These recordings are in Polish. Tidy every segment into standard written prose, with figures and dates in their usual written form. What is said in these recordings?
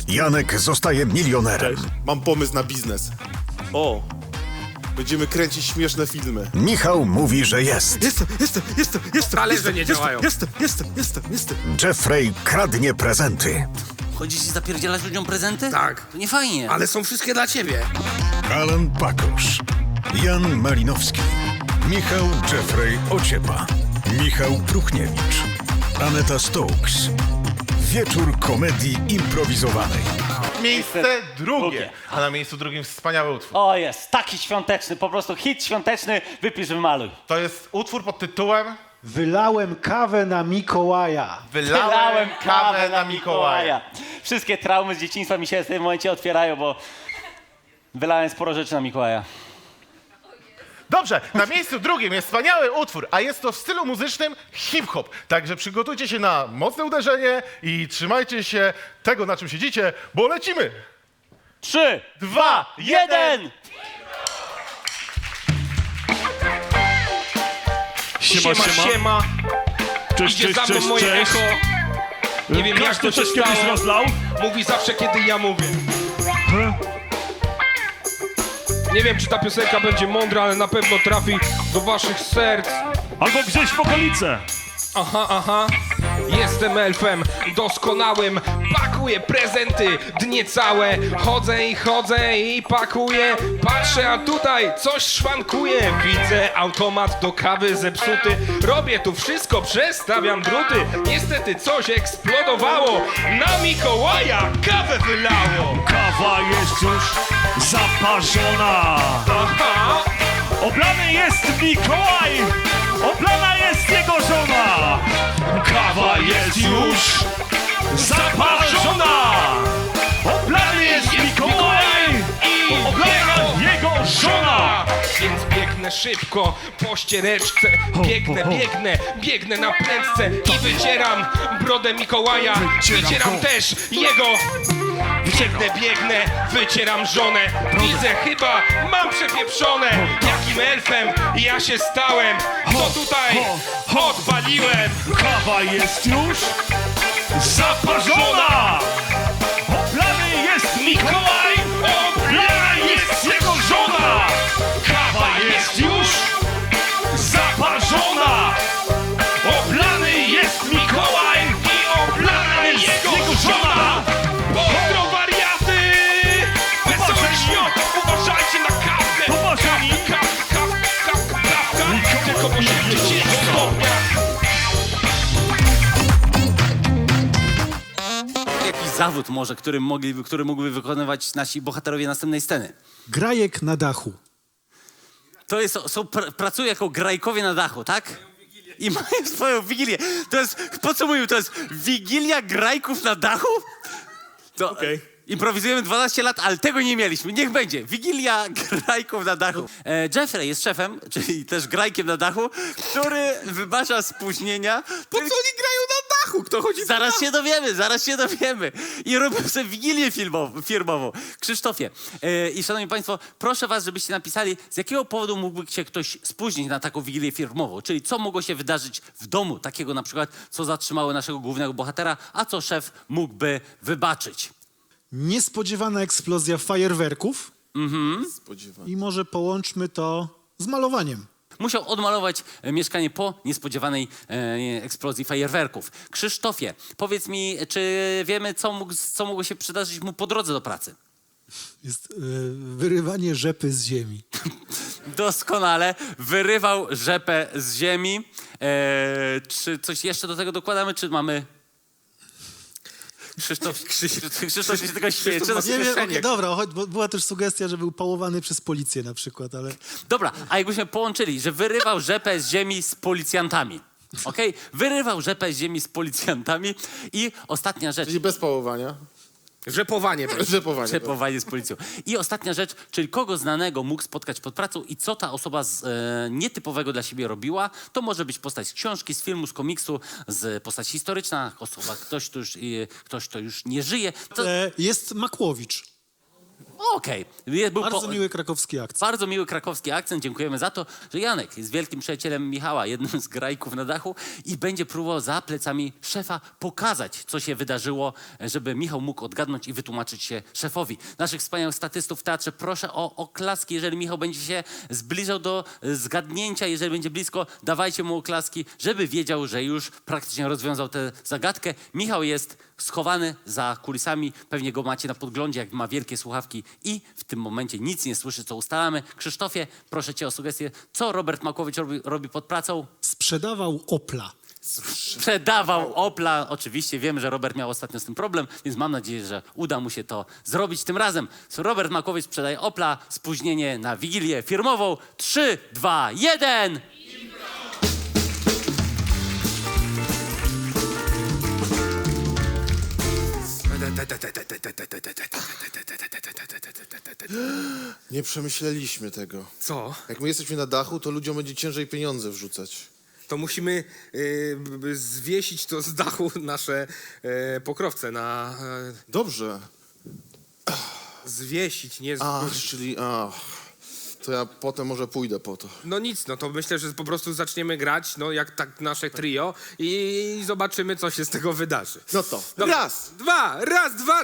Janek zostaje milionerem. Mam pomysł na biznes. O, Będziemy kręcić śmieszne filmy. Michał mówi, że jest. Jestem. talerze nie działają. Jestem. Jeffrey kradnie prezenty. Chodzisz i zapierdzielać ludziom prezenty? Tak. To nie fajnie. Ale są wszystkie dla ciebie. Alan Pakosz, Jan Malinowski, Michał Jeffrey Ociepa, Michał Pruchniewicz, Aneta Stokes. Wieczór komedii improwizowanej. Miejsce drugie, a na miejscu drugim wspaniały utwór. O jest, taki świąteczny, po prostu hit świąteczny, wypisz, wymaluj. To jest utwór pod tytułem Wylałem kawę na Mikołaja. Wylałem kawę na Mikołaja. Wszystkie traumy z dzieciństwa mi się w tym momencie otwierają, bo wylałem sporo rzeczy na Mikołaja. Dobrze, na miejscu drugim jest wspaniały utwór, a jest to w stylu muzycznym hip-hop. Także przygotujcie się na mocne uderzenie i trzymajcie się tego, na czym siedzicie, bo lecimy! 3, 2, 1! Siema. Cześć, Idzie za mną moje echo. Nie wiem jak to się stało. rozlał? Mówi zawsze kiedy ja mówię. Nie wiem czy ta piosenka będzie mądra, ale na pewno trafi do waszych serc. Albo gdzieś w okolice. Aha. Jestem elfem doskonałym. Pakuję prezenty dnie całe. Chodzę i pakuję. Patrzę, a tutaj coś szwankuje. Widzę automat do kawy zepsuty. Robię tu wszystko, przestawiam druty. Niestety coś eksplodowało. Na Mikołaja kawę wylało. Kawa jest już zaparzona. Aha. Oblany jest Mikołaj. Oblana jest jego żona. Kawa jest już zaparzona. Oblany jest Mikołaj. I Oblana jego żona. Więc biegnę szybko po ściereczce. Biegnę na prędce i wycieram brodę Mikołaja. Wycieram też jego. Biegnę, wycieram żonę. Widzę, chyba mam przepieprzone. Jakim elfem ja się stałem? Co tutaj odpaliłem? Kawa jest już zaparzona. Oblany jest Mikołaj. Oblana jest jego żona. Kawa jest już zaparzona. Oblany jest Mikołaj. I oblana jest jego żona. Pozdro wariaty! Wesoły świąt! Uważajcie na kawkę! Popatrzeni. Kawka! Tylko po 70 stopniach! Jakiś zawód może, który mógłby wykonywać nasi bohaterowie następnej sceny. Grajek na dachu. To jest, pracują jako grajkowie na dachu, tak? I mają swoją wigilię. To jest, podsumujmy, to jest wigilia grajków na dachu? To, improwizujemy 12 lat, ale tego nie mieliśmy. Niech będzie. Wigilia grajków na dachu. Jeffrey jest szefem, czyli też grajkiem na dachu, który wybacza spóźnienia. Po co oni grają na dachu? Kto chodzi Zaraz się dowiemy. I robią sobie wigilię firmową. Krzysztofie i szanowni państwo, proszę was, żebyście napisali, z jakiego powodu mógłby się ktoś spóźnić na taką wigilię firmową. Czyli co mogło się wydarzyć w domu, takiego na przykład, co zatrzymało naszego głównego bohatera, a co szef mógłby wybaczyć. Niespodziewana eksplozja fajerwerków. I może połączmy to z malowaniem. Musiał odmalować mieszkanie po niespodziewanej eksplozji fajerwerków. Krzysztofie, powiedz mi, czy wiemy, co mogło się przydarzyć mu po drodze do pracy? Jest wyrywanie rzepy z ziemi. Doskonale. Wyrywał rzepę z ziemi. Czy coś jeszcze do tego dokładamy, czy mamy... Krzysztof się tego śmieje. Nie wiem, okej, dobra, bo była też sugestia, że był pałowany przez policję na przykład, ale... Dobra, a jakbyśmy połączyli, że wyrywał rzepę z ziemi z policjantami. Okej? Wyrywał rzepę z ziemi z policjantami i ostatnia rzecz. Czyli bez pałowania. Rzepowanie. Przepowanie z policją. I ostatnia rzecz, czyli kogo znanego mógł spotkać pod pracą i co ta osoba nietypowego dla siebie robiła. To może być postać z książki, z filmu, z komiksu, z postać historyczna, osoba, ktoś, kto już nie żyje. To... Jest Makłowicz. Okej. Bardzo miły krakowski akcent. Bardzo miły krakowski akcent. Dziękujemy za to, że Janek jest wielkim przyjacielem Michała, jednym z grajków na dachu i będzie próbował za plecami szefa pokazać, co się wydarzyło, żeby Michał mógł odgadnąć i wytłumaczyć się szefowi. Naszych wspaniałych statystów w teatrze proszę o oklaski, jeżeli Michał będzie się zbliżał do zgadnięcia. Jeżeli będzie blisko, dawajcie mu oklaski, żeby wiedział, że już praktycznie rozwiązał tę zagadkę. Michał jest schowany za kulisami, pewnie go macie na podglądzie, jak ma wielkie słuchawki i w tym momencie nic nie słyszy, co ustalamy. Krzysztofie, proszę cię o sugestię, co Robert Makłowicz robi pod pracą? Sprzedawał Opla. Sprzedawał Opla. Oczywiście wiem, że Robert miał ostatnio z tym problem, więc mam nadzieję, że uda mu się to zrobić tym razem. Robert Makłowicz sprzedaje Opla, spóźnienie na Wigilię firmową. 3, 2, 1... Nie przemyśleliśmy tego. Co? Jak my jesteśmy na dachu, to ludziom będzie ciężej pieniądze wrzucać. To musimy zwiesić to z dachu nasze pokrowce na... Dobrze. zwiesić, nie... Czyli... To ja potem może pójdę po to. No nic, no to myślę, że po prostu zaczniemy grać, no jak tak nasze trio i zobaczymy, co się z tego wydarzy. No to Dobra. raz. Raz, dwa...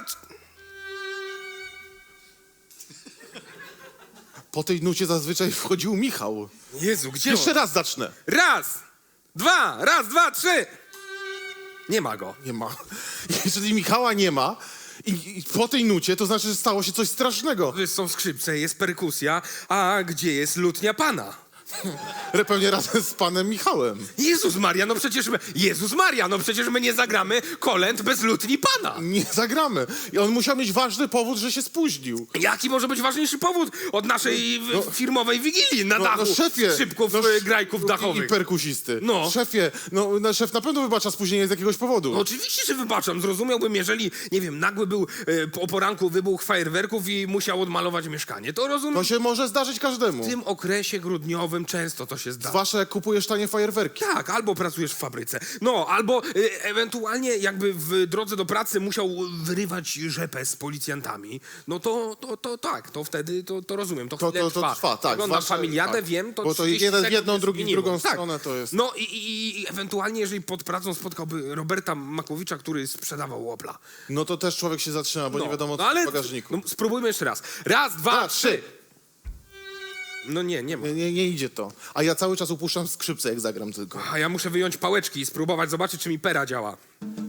Po tej nucie zazwyczaj wchodził Michał. Jezu, gdzie Jeszcze on? raz zacznę. Raz, dwa, trzy. Nie ma go. Nie ma. Jeżeli Michała nie ma i po tej nucie, to znaczy, że stało się coś strasznego. Są skrzypce, jest perkusja, a gdzie jest lutnia pana? Pewnie razem z panem Michałem. Jezus Maria, no przecież my nie zagramy kolęd bez lutni pana. Nie zagramy. I on musiał mieć ważny powód, że się spóźnił. Jaki może być ważniejszy powód od naszej firmowej wigilii na dachu szefie. skrzypków, grajków dachowych? I perkusisty. No. Szefie, szef na pewno wybacza spóźnienie z jakiegoś powodu. No oczywiście, że wybaczam. Zrozumiałbym, jeżeli, nie wiem, nagły był o poranku wybuch fajerwerków i musiał odmalować mieszkanie. To rozumiem. To się może zdarzyć każdemu. W tym okresie grudniowym często to się zdarza. Zwłaszcza jak kupujesz tanie fajerwerki. Tak, albo pracujesz w fabryce. No, albo ewentualnie jakby w drodze do pracy musiał wyrywać rzepę z policjantami. No to tak, to wtedy to rozumiem. To chwilę trwa, tak. Oglądam Zwłaszcza- familiadę, tak. wiem, to Bo to 30 jeden w sekund jedną, się drugi w zmieniło. drugą Tak. stronę to jest. No i ewentualnie, jeżeli pod pracą spotkałby Roberta Makłowicza, który sprzedawał Opla. No to też człowiek się zatrzyma, bo nie wiadomo co ale w bagażniku. no, spróbujmy jeszcze raz. Raz, dwa, trzy. No nie ma. Nie idzie to. A ja cały czas upuszczam skrzypce, jak zagram tylko. A ja muszę wyjąć pałeczki i spróbować zobaczyć, czy mi pera działa.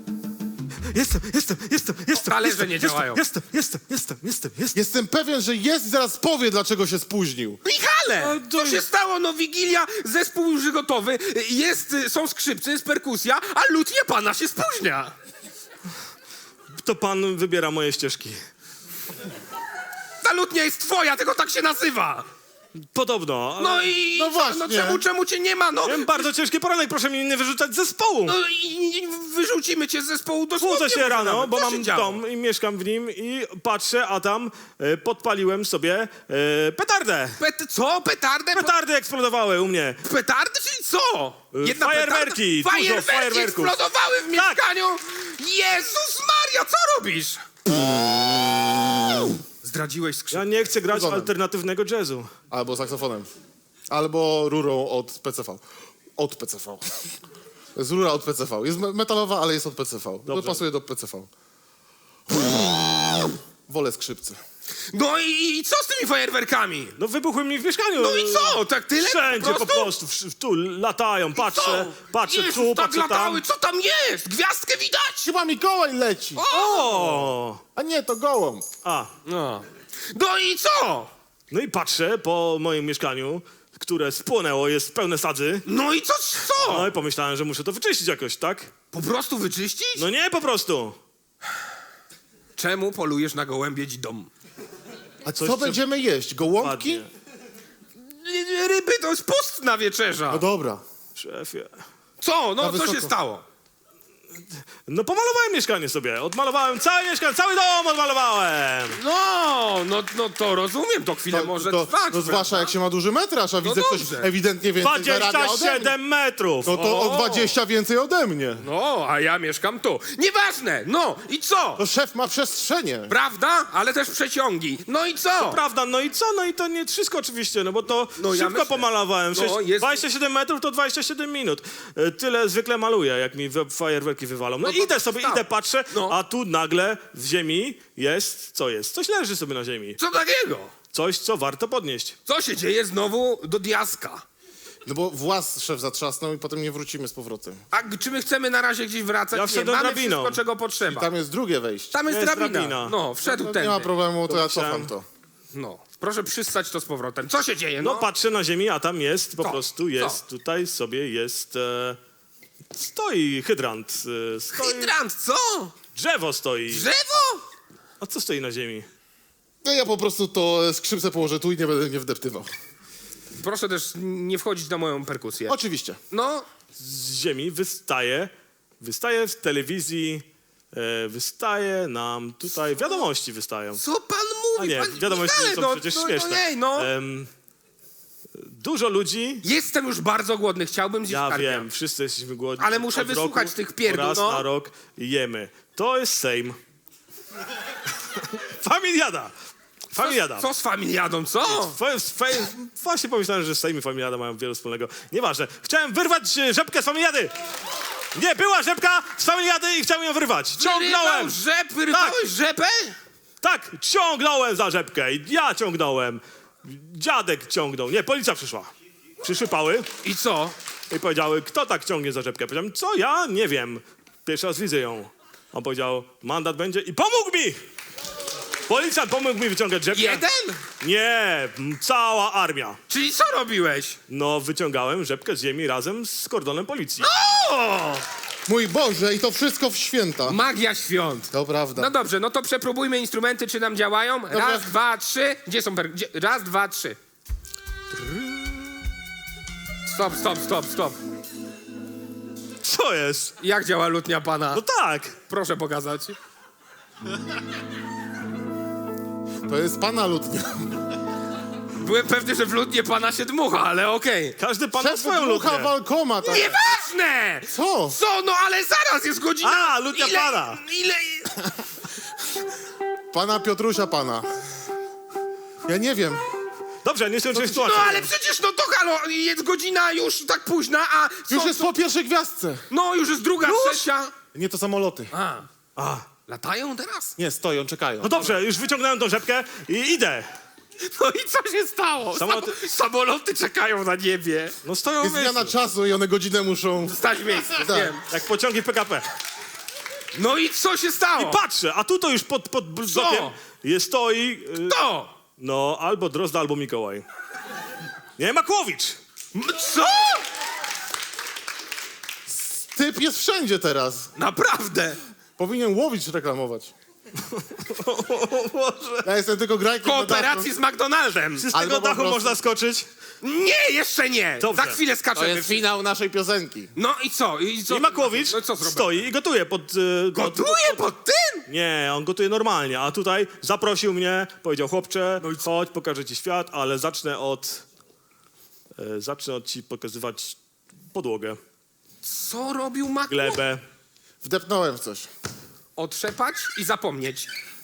Jestem. Talerze nie działają. Jestem. Jestem pewien, że jest i zaraz powie, dlaczego się spóźnił. Michale! Co się stało? No Wigilia, zespół już gotowy, są skrzypce, jest perkusja, a lutnia pana się spóźnia. To pan wybiera moje ścieżki. Ta lutnia jest twoja, tylko tak się nazywa. Podobno. Ale... No i No właśnie. czemu cię nie ma? No, Miałem bardzo ciężki poranek, proszę mnie nie wyrzucać z zespołu. no i wyrzucimy cię z zespołu dosłownie. Budzę się rano, nawet. bo Co się mam działo? dom i mieszkam w nim i patrzę, a tam podpaliłem sobie petardę. Co? Petardę? Petardy eksplodowały u mnie. Petardy? Czyli co? Fajerwerki, petarda? dużo fajerwerków. Eksplodowały w Tak. mieszkaniu? Jezus Maria, co robisz? Zdradziłeś skrzypce. Ja nie chcę grać Zgoda. alternatywnego jazzu. Albo saksofonem. Albo rurą od PCV. Od PCV. Jest rura od PCV. Jest metalowa, ale jest od PCV. To pasuje do PCV. Wolę skrzypce. No i co z tymi fajerwerkami? No wybuchły mi w mieszkaniu. No i co? Tak tyle? Wszędzie po prostu. Tu latają, patrzę Jezus, tu, tak patrzę latały, tam. co tam jest? Gwiazdkę widać? Chyba Mikołaj leci. O! A nie, to gołąb. No i co? No i patrzę po moim mieszkaniu, które spłonęło, jest pełne sadzy. No i co? No i pomyślałem, że muszę to wyczyścić jakoś, tak? Po prostu wyczyścić? No nie, po prostu. Czemu polujesz na gołębiedzi dom? A co będziemy jeść? Gołąbki? Ładnie. Ryby to jest pustna wieczerza. No dobra. Szefie. Co? No co wysoko. się stało? No pomalowałem mieszkanie sobie, odmalowałem całe mieszkanie, cały dom odmalowałem. No to rozumiem, to chwilę może trwać. No zwłaszcza jak się ma duży metraż, a widzę ktoś dobrze. ewidentnie więcej zarabia ode mnie. 27 metrów. No to o 20 więcej ode mnie. No, a ja mieszkam tu. Nieważne, no i co? To szef ma przestrzenie. Prawda? Ale też przeciągi. No i co? Prawda, no i co? No i to nie wszystko oczywiście, no bo to No ja szybko myślę. pomalowałem. No, Przecież jest- 27 metrów to 27 minut. Tyle zwykle maluję, jak mi fajerwerki wywalą. No, No to idę sobie, tak. idę, patrzę, No. a tu nagle w ziemi jest, co jest? Coś leży sobie na ziemi. Co takiego? Coś, co warto podnieść. Co się dzieje znowu do diaska? No bo włas szef zatrzasnął i potem nie wrócimy z powrotem. A czy my chcemy na razie gdzieś wracać? Ja Nie, wszedłem mamy drabiną. wszystko, czego potrzeba. Tam jest drugie wejście. Tam jest jest drabina. drabina. No, wszedł No, tędy. nie ma problemu, to ja myślałem. cofam to. No, proszę przystać to z powrotem. Co się dzieje? No No, patrzę na ziemi, a tam jest, po Co? prostu jest, Co? tutaj sobie jest, stoi hydrant. Stoi, Hydrant, co? drzewo stoi. Drzewo? A co stoi na ziemi? No ja po prostu to skrzypce położę tu i nie będę nie wdeptywał. Proszę też nie wchodzić na moją perkusję. Oczywiście. No, Z ziemi wystaje w telewizji, wystaje nam tutaj, wiadomości wystają. co pan A mówi? nie, Pan... wiadomości Michale, są no, przecież no, śmieszne. No, nie, no. Dużo ludzi, Jestem już bardzo głodny, chciałbym zjeść ja karpia. wiem, wszyscy jesteśmy głodni. Ale muszę Od wysłuchać roku tych pierdół, raz no. na rok jemy. To jest Sejm. Familiada. Familiada. Co z familiadą, co? Właśnie pomyślałem, że Sejm i Familiada mają wiele wspólnego. Nieważne. Chciałem wyrwać rzepkę z Familiady. Nie, była rzepka z Familiady i chciałem ją wyrwać. Ciągnąłem. Wyrwałeś rzepę? Tak, ciągnąłem za rzepkę. Ja ciągnąłem. Dziadek ciągnął. Nie, policja przyszła. Przyszły pały I co? i powiedziały, kto tak ciągnie za rzepkę. Powiedziałem, co? Ja nie wiem. Pierwszy raz widzę ją. On powiedział, mandat będzie i pomógł mi. Policjant pomógł mi wyciągać rzepkę. Jeden? Nie, cała armia. Czyli co robiłeś? No, wyciągałem rzepkę z ziemi razem z kordonem policji. O! Mój Boże, i to wszystko w święta. Magia świąt. To prawda. No dobrze, no to przepróbujmy instrumenty, czy nam działają. Raz, dwa, trzy. Gdzie są Raz, dwa, trzy. Stop. Co jest? Jak działa lutnia pana? No tak. Proszę pokazać. To jest pana lutnia. Byłem pewny, że w lutnie pana się dmucha, ale okej. Każdy pan ma Szef swoją dmucha lutnię. walkoma. Tak. Nieważne! Co? Co? No ale zaraz jest godzina. A, lutnia pana. Ile? Pana Piotrusia pana. Ja nie wiem. Dobrze, nie skończyłem No sytuacji. ale przecież no to halo, jest godzina już tak późna, a Już jest po pierwszej gwiazdce. No już jest druga, trzecia. Nie, to samoloty. A. Latają teraz? Nie, stoją, czekają. No dobrze, już wyciągnąłem tą rzepkę i idę. No i co się stało? Samoloty czekają na niebie. No stoją Jest w zmiana miejscu. czasu i one godzinę muszą... Stać w miejscu, Tak. wiem. Jak pociągi PKP. No i co się stało? I patrzę, a tu to już pod blokiem stoi... To! No, albo Drozda, albo Mikołaj. Nie, Makłowicz. Co? Typ jest wszędzie teraz. Naprawdę? Powinien łowić reklamować. Ja jestem tylko grajkiem na Kooperacji z McDonaldem. Czy z Albo tego po dachu prostu- można skoczyć? Nie, jeszcze nie. Dobrze. Za chwilę To skaczemy. jest finał naszej piosenki. No i co? I Makłowicz No i co zrobię? stoi i gotuje pod... Gotuje pod tym? Nie, on gotuje normalnie, a tutaj zaprosił mnie, powiedział, chłopcze, chodź, pokażę ci świat, ale zacznę od ci pokazywać podłogę, Co robił Makłowicz? glebę. Wdepnąłem w coś. Otrzepać i zapomnieć.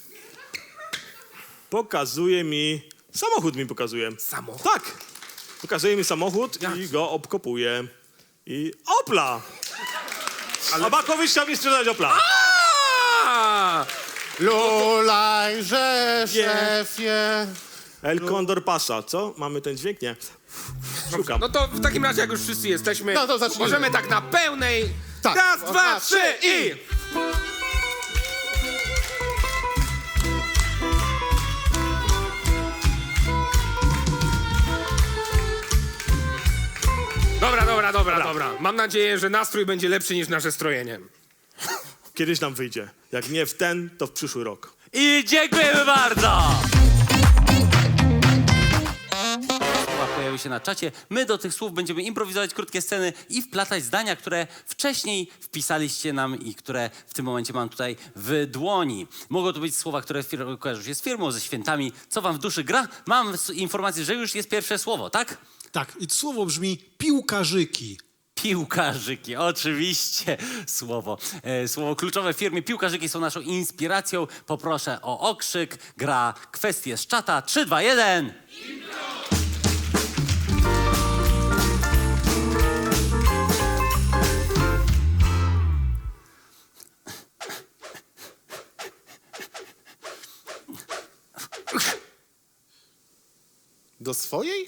Pokazuje mi, samochód mi pokazuje. Samochód? Tak, pokazuje mi samochód i go obkopuje. I Opla! A Makłowicz chciał mi sprzedać Opla. A! Lulajże, szefie. El Condor Pasa, co? Mamy ten dźwięk? Nie. Szukam. No to w takim razie, jak już wszyscy jesteśmy, No to zacznijmy. możemy tak na pełnej. Tak. Raz, dwa, trzy i... Dobra. Mam nadzieję, że nastrój będzie lepszy niż nasze strojenie. Kiedyś nam wyjdzie. Jak nie w ten, to w przyszły rok. I dziękujemy bardzo! Pojawiły pojawiały się na czacie. My do tych słów będziemy improwizować krótkie sceny i wplatać zdania, które wcześniej wpisaliście nam i które w tym momencie mam tutaj w dłoni. Mogą to być słowa, które kojarzą się z firmą, ze świętami. Co wam w duszy gra? Mam informację, że już jest pierwsze słowo, tak? Tak, i słowo brzmi piłkarzyki. Piłkarzyki, oczywiście słowo. Słowo kluczowe w firmie. Piłkarzyki są naszą inspiracją. Poproszę o okrzyk. Gra kwestie z czata. 3, 2, 1. Do swojej?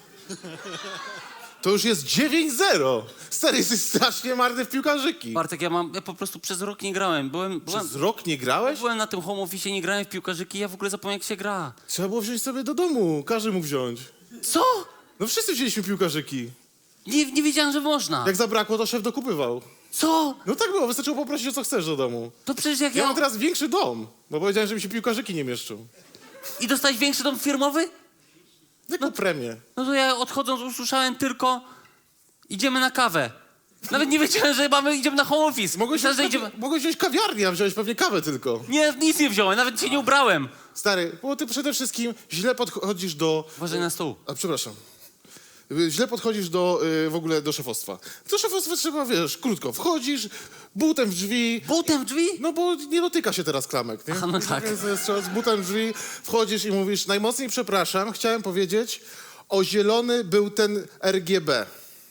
To już jest 9-0. Stary, jesteś strasznie marny w piłkarzyki. Bartek, ja po prostu przez rok nie grałem. Przez rok nie grałeś? Byłem na tym home office, nie grałem w piłkarzyki, ja w ogóle zapomniałem, jak się gra. Trzeba było wziąć sobie do domu. Każdy mógł wziąć. Co? No wszyscy wzięliśmy piłkarzyki. Nie wiedziałem, że można. Jak zabrakło, to szef dokupywał. Co? No tak było, wystarczyło poprosić o co chcesz do domu. To przecież jak Ja mam teraz większy dom, bo powiedziałem, że mi się piłkarzyki nie mieszczą. I dostałeś większy dom firmowy? Jaką premię? No to ja odchodząc usłyszałem tylko idziemy na kawę. Nawet nie wiedziałem, że idziemy na home office. Myślałem, że idziemy... Mogłeś wziąć kawiarnię, a wziąłeś pewnie kawę tylko. Nie, nic nie wziąłem, nawet się nie ubrałem. Stary, bo ty przede wszystkim źle podchodzisz do... Uważaj na stół. A, przepraszam. Źle podchodzisz do, w ogóle do szefostwa. Do szefostwa trzeba, wiesz, krótko. Wchodzisz, butem w drzwi. Butem w drzwi? No bo nie dotyka się teraz klamek, nie? Aha, no tak. Więc trzeba z butem w drzwi wchodzisz i mówisz, najmocniej przepraszam, chciałem powiedzieć, o zielony był ten RGB.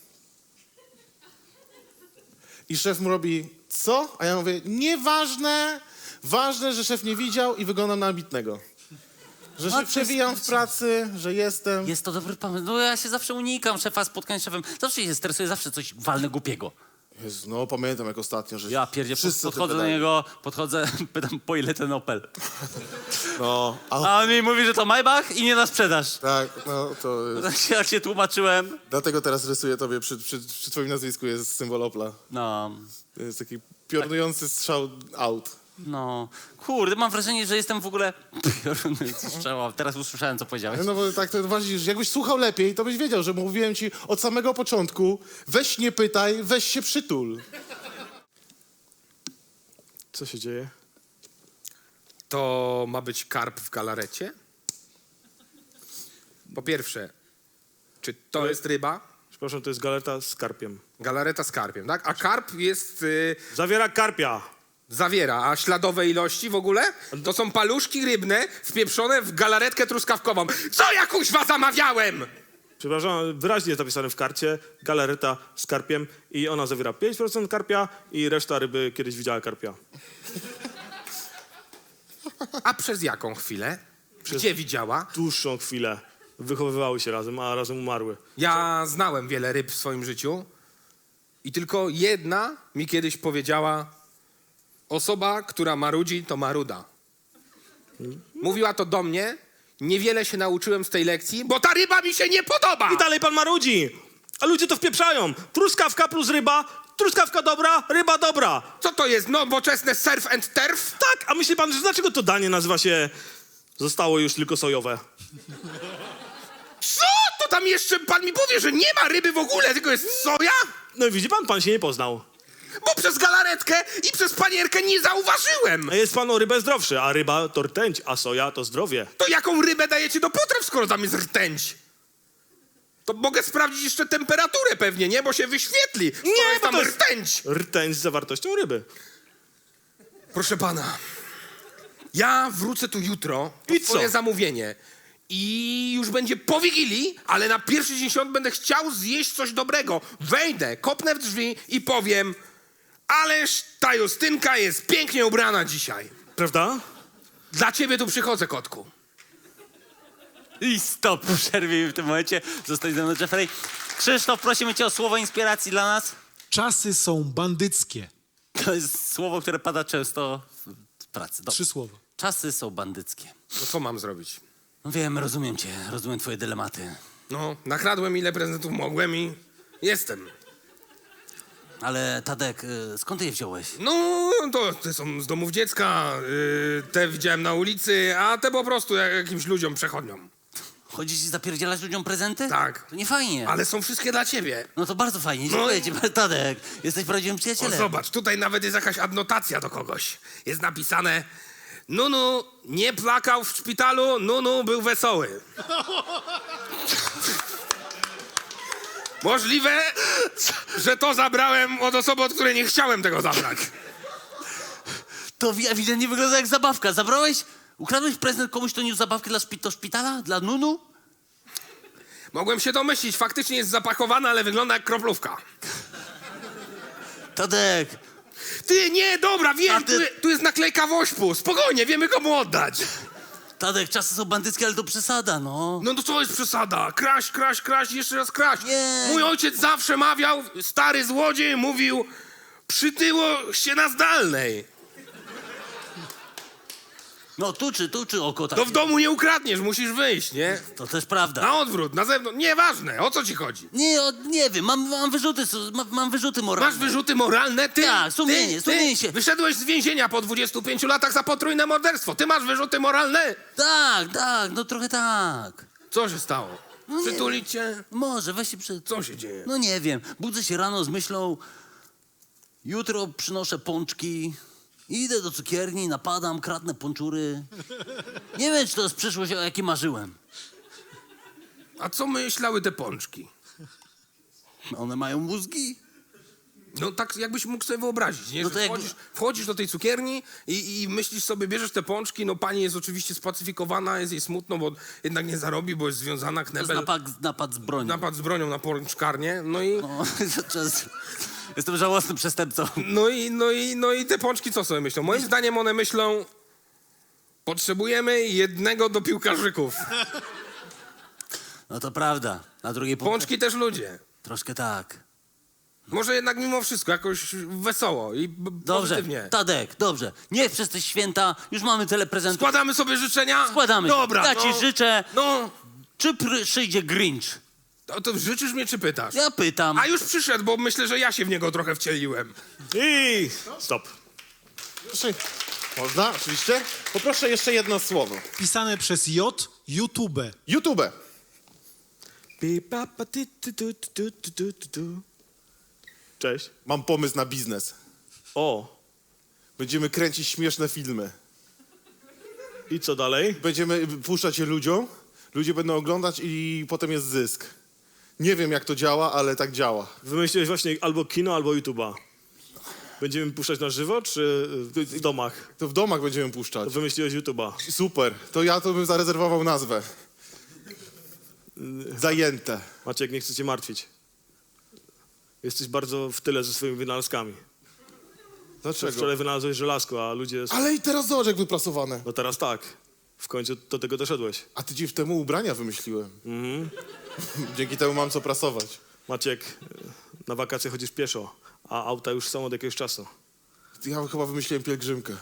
I szef mu robi, co? A ja mówię, nieważne, ważne, że szef nie widział i wyglądam na ambitnego. Że się przewijam w pracy, że jestem. Jest to dobry pomysł. No ja się zawsze unikam szefa, spotkań z szefem. Zawsze się stresuję, zawsze coś walnę głupiego. Jezu, no pamiętam jak ostatnio, że Ja pierdzie, wszyscy podchodzę do pytają. niego, pytam, po ile ten Opel. No, A on mi mówi, że to Maybach i nie na sprzedaż. tak, no to jest... Jak się tłumaczyłem. Dlatego teraz rysuję tobie, przy twoim nazwisku jest symbol Opla. No, To jest taki piorunujący strzał out. no. Kurde, mam wrażenie, że jestem w ogóle piorunujący strzał. Teraz usłyszałem, co powiedziałeś. No bo tak to właśnie, że jakbyś słuchał lepiej, to byś wiedział, że mówiłem ci od samego początku, weź nie pytaj, weź się przytul. Co się dzieje? To ma być karp w galarecie? Po pierwsze, czy to jest ryba? Przepraszam, to jest galareta z karpiem. Galareta z karpiem, tak? A karp jest... Zawiera karpia. Zawiera, a śladowe ilości w ogóle? To są paluszki rybne wpieprzone w galaretkę truskawkową. Co ja kuźwa zamawiałem? Przepraszam, wyraźnie jest napisane w karcie galareta z karpiem i ona zawiera 5% karpia i reszta ryby kiedyś widziała karpia. A przez jaką chwilę? Gdzie widziała? Dłuższą chwilę. Wychowywały się razem, a razem umarły. Ja znałem wiele ryb w swoim życiu i tylko jedna mi kiedyś powiedziała: osoba, która marudzi, to maruda. Mówiła to do mnie. Niewiele się nauczyłem z tej lekcji, bo ta ryba mi się nie podoba! I dalej pan marudzi! A ludzie to wpieprzają. Truskawka plus ryba, truskawka dobra, ryba dobra. Co to jest, nowoczesne surf and turf? Tak, a myśli pan, że dlaczego to danie nazywa się zostało już tylko sojowe? Co? To tam jeszcze pan mi powie, że nie ma ryby w ogóle, tylko jest soja? No i widzi pan się nie poznał. Bo przez galaretkę i przez panierkę nie zauważyłem. A jest pan o rybę zdrowszy, a ryba to rtęć, a soja to zdrowie. To jaką rybę dajecie do potraw, skoro tam jest rtęć? To mogę sprawdzić jeszcze temperaturę pewnie, nie? Bo się wyświetli, skoro Nie, jest bo tam to jest rtęć. rtęć z zawartością ryby. Proszę pana, ja wrócę tu jutro po I co? swoje zamówienie. I już będzie po Wigilii, ale na pierwszy dzień świąt będę chciał zjeść coś dobrego. Wejdę, kopnę w drzwi i powiem: ależ ta Justynka jest pięknie ubrana dzisiaj. Prawda? Dla ciebie tu przychodzę, kotku. I stop, przerwij w tym momencie. Zostań ze mną, Jeffrey. Krzysztof, prosimy cię o słowo inspiracji dla nas. Czasy są bandyckie. To jest słowo, które pada często w pracy. 3 słowa. Czasy są bandyckie. No co mam zrobić? No wiem, rozumiem cię, rozumiem twoje dylematy. No, nakradłem ile prezentów mogłem i jestem. Ale Tadek, skąd ty je wziąłeś? No, to te są z domów dziecka, te widziałem na ulicy, a te po prostu jakimś ludziom przechodniom. Chodzisz i zapierdzielać ludziom prezenty? Tak. To nie fajnie. Ale są wszystkie dla ciebie. No to bardzo fajnie, dziękuję ci, Tadek. Jesteś prawdziwym O, przyjacielem. zobacz, tutaj nawet jest jakaś adnotacja do kogoś. Jest napisane: Nunu nie plakał w szpitalu, Nunu był wesoły. Możliwe, że to zabrałem od osoby, od której nie chciałem tego zabrać. To ewidentnie wygląda jak zabawka. Ukradłeś prezent komuś, kto niósł zabawkę do szpitala? Dla Nunu? Mogłem się domyślić, faktycznie jest zapakowana, ale wygląda jak kroplówka. Tadek, Ty, nie, dobra, wiem, A ty- tu jest naklejka wośpu. Spokojnie, wiemy komu oddać. Tadek, czasy są bandyckie, ale to przesada, no. No to co jest przesada? Kraść, jeszcze raz kraść. Nie. Mój ojciec zawsze mawiał, stary złodziej mówił, przytyło się na zdalnej. No tu czy oko tak. To w domu nie ukradniesz, musisz wyjść, nie? To też prawda. Na odwrót, na zewnątrz, nieważne, o co ci chodzi? Nie wiem, mam wyrzuty, mam wyrzuty moralne. Masz wyrzuty moralne? Ty? Tak, sumienie się. Wyszedłeś z więzienia po 25 latach za potrójne morderstwo. Ty masz wyrzuty moralne? Tak, no trochę tak. Co się stało? No nie. Przytulić cię? Może, weź się Co się dzieje? No nie wiem, budzę się rano z myślą, jutro przynoszę pączki, idę do cukierni, napadam, kradnę pączury. Nie wiem, czy to jest przyszłość, o jakiej marzyłem. A co myślały te pączki? One mają mózgi? No tak jakbyś mógł sobie wyobrazić, nie? No Że to jakby- wchodzisz do tej cukierni i myślisz sobie, bierzesz te pączki, no pani jest oczywiście spacyfikowana, jest jej smutno, bo jednak nie zarobi, bo jest związana, To jest knebel, napad z bronią. napad z bronią na pączkarnię, no i... No, jestem żałosnym przestępcą. No i te pączki co sobie myślą? Moim zdaniem one myślą, potrzebujemy jednego do piłkarzyków. No to prawda, na drugiej Pączki też ludzie. Troszkę tak. Może jednak mimo wszystko jakoś wesoło i Dobrze, pozytywnie. Tadek, dobrze. Niech przez te święta, już mamy tyle prezentów. Składamy sobie życzenia? Składamy. Dobra, Ja ci życzę. No, Czy przyjdzie Grinch? to życzysz mnie czy pytasz? Ja pytam. A już przyszedł, bo myślę, że ja się w niego trochę wcieliłem. I stop. Proszę, można? Oczywiście. Poproszę jeszcze jedno słowo. Pisane przez J, YouTube. YouTube. Cześć. Mam pomysł na biznes. O, Będziemy kręcić śmieszne filmy. i co dalej? Będziemy puszczać je ludziom, ludzie będą oglądać i potem jest zysk. Nie wiem, jak to działa, ale tak działa. Wymyśliłeś właśnie albo kino, albo YouTube'a. Będziemy puszczać na żywo, czy w domach? To w domach będziemy puszczać. Wymyśliłeś YouTube'a. Super. To ja to bym zarezerwował nazwę. Zajęte. Maciek, nie chcę cię martwić. Jesteś bardzo w tyle ze swoimi wynalazkami. Dlaczego? Wczoraj wynalazłeś żelazko, a ludzie... Ale i teraz zobacz, jak wyprasowane. No teraz tak. W końcu do tego doszedłeś. A ty dziś temu ubrania wymyśliłem. Dzięki temu mam co prasować. Maciek, na wakacje chodzisz pieszo, a auta już są od jakiegoś czasu. Ja chyba wymyśliłem pielgrzymkę.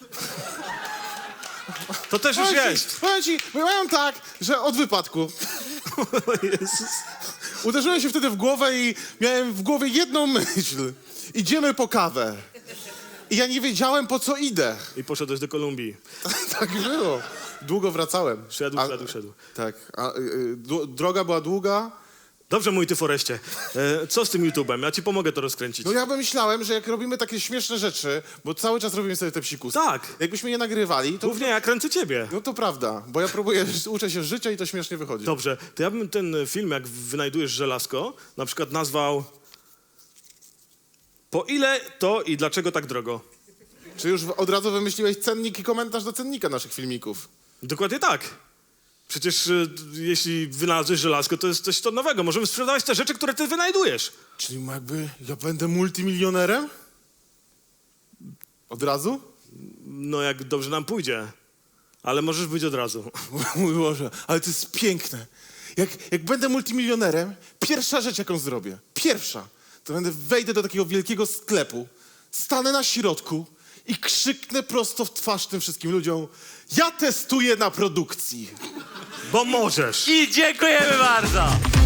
To też już jest! Powiem ci, byłem tak, że od wypadku. Uderzyłem się wtedy w głowę i miałem w głowie jedną myśl. Idziemy po kawę. I ja nie wiedziałem, po co idę. I poszedłeś do Kolumbii. Tak było. Długo wracałem. Szedł. Tak. Droga była długa. Dobrze, mój ty Foreście. Co z tym YouTube'em? Ja ci pomogę to rozkręcić. No ja myślałem, że jak robimy takie śmieszne rzeczy, bo cały czas robimy sobie te psikusy. Tak. Jakbyśmy je nagrywali, to... Głównie ja kręcę ciebie. No to prawda, bo ja próbuję, uczę się życia i to śmiesznie wychodzi. Dobrze, to ja bym ten film, jak wynajdujesz żelazko, na przykład nazwał Po ile to i dlaczego tak drogo? Czy już od razu wymyśliłeś cennik i komentarz do cennika naszych filmików? Dokładnie tak. Przecież jeśli wynalazłeś żelazko, to jest coś to nowego. Możemy sprzedawać te rzeczy, które ty wynajdujesz. Czyli jakby ja będę multimilionerem? Od razu? No jak dobrze nam pójdzie. Ale możesz być od razu. Mój Boże, ale to jest piękne. Jak będę multimilionerem, pierwsza rzecz, jaką zrobię, to wejdę do takiego wielkiego sklepu, stanę na środku i krzyknę prosto w twarz tym wszystkim ludziom: ja testuję na produkcji. Bo możesz. I dziękujemy bardzo!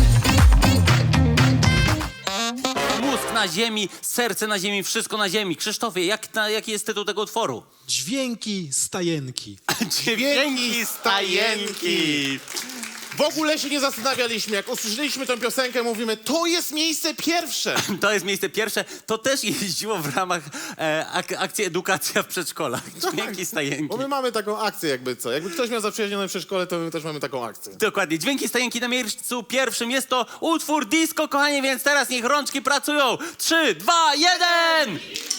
Mózg na ziemi, serce na ziemi, wszystko na ziemi. Krzysztofie, jaki jest tytuł tego utworu? Dźwięki stajenki. Dźwięki stajenki. W ogóle się nie zastanawialiśmy. Jak usłyszeliśmy tę piosenkę, mówimy, to jest miejsce pierwsze. To jest miejsce pierwsze. To też jeździło w ramach akcji Edukacja w przedszkolach. Dźwięki stajenki. Bo my mamy taką akcję jakby co. Jakby ktoś miał zaprzyjaźnione przedszkole, to my też mamy taką akcję. Dokładnie. Dźwięki stajenki na miejscu pierwszym. Jest to utwór disco, kochanie, więc teraz niech rączki pracują. 3, 2, 1!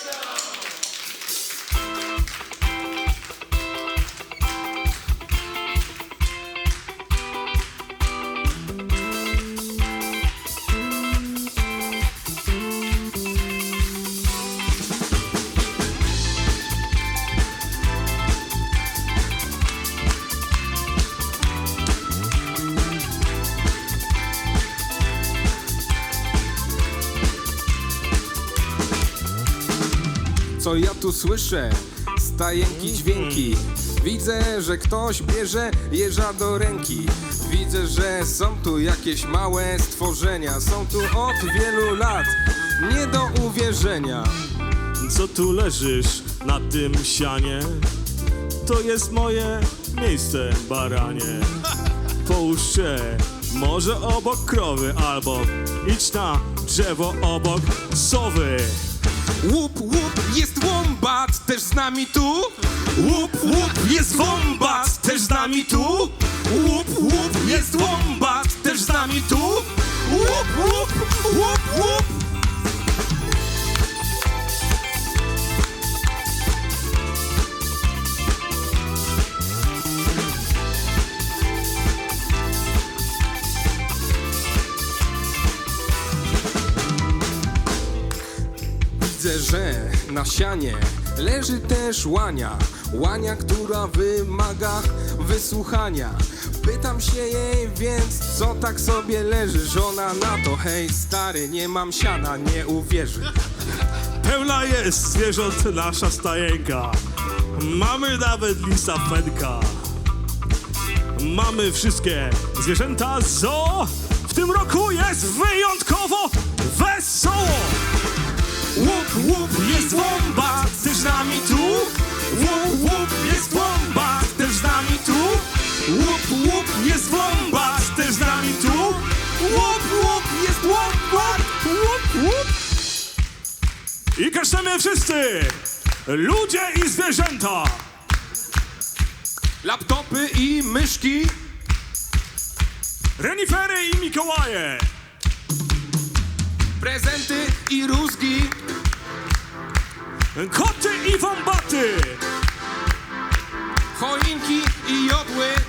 Co ja tu słyszę? Stajenki, dźwięki. Widzę, że ktoś bierze jeża do ręki. Widzę, że są tu jakieś małe stworzenia. Są tu od wielu lat, nie do uwierzenia. Co tu leżysz na tym sianie? To jest moje miejsce, baranie. Połóż się może obok krowy, albo idź na drzewo obok sowy. Łup, łup, jest wombat, też z nami tu. Łup, łup, jest wombat, też z nami tu. Łup, łup, jest wombat, też z nami tu. Łup, łup, łup, łup. Widzę, że na sianie leży też łania. Łania, która wymaga wysłuchania. Pytam się jej więc, co tak sobie leżysz? Ona na to, hej stary, nie mam siana, nie uwierzy. Pełna jest zwierząt nasza stajenka. Mamy nawet lisa fenka. Mamy wszystkie zwierzęta z zoo. W tym roku jest wyjątkowo wesoło. Łup, łup, jest wombat, też z nami tu. Łup, łup, jest wombat, też z nami tu. Łup, łup, jest wombat, też z nami tu. Łup, łup, jest wombat, łup, łup. I kasztemy wszyscy, ludzie i zwierzęta. Laptopy i myszki. Renifery i Mikołaje. Prezenty i rózgi. Koty i wombaty. Choinki i jodły.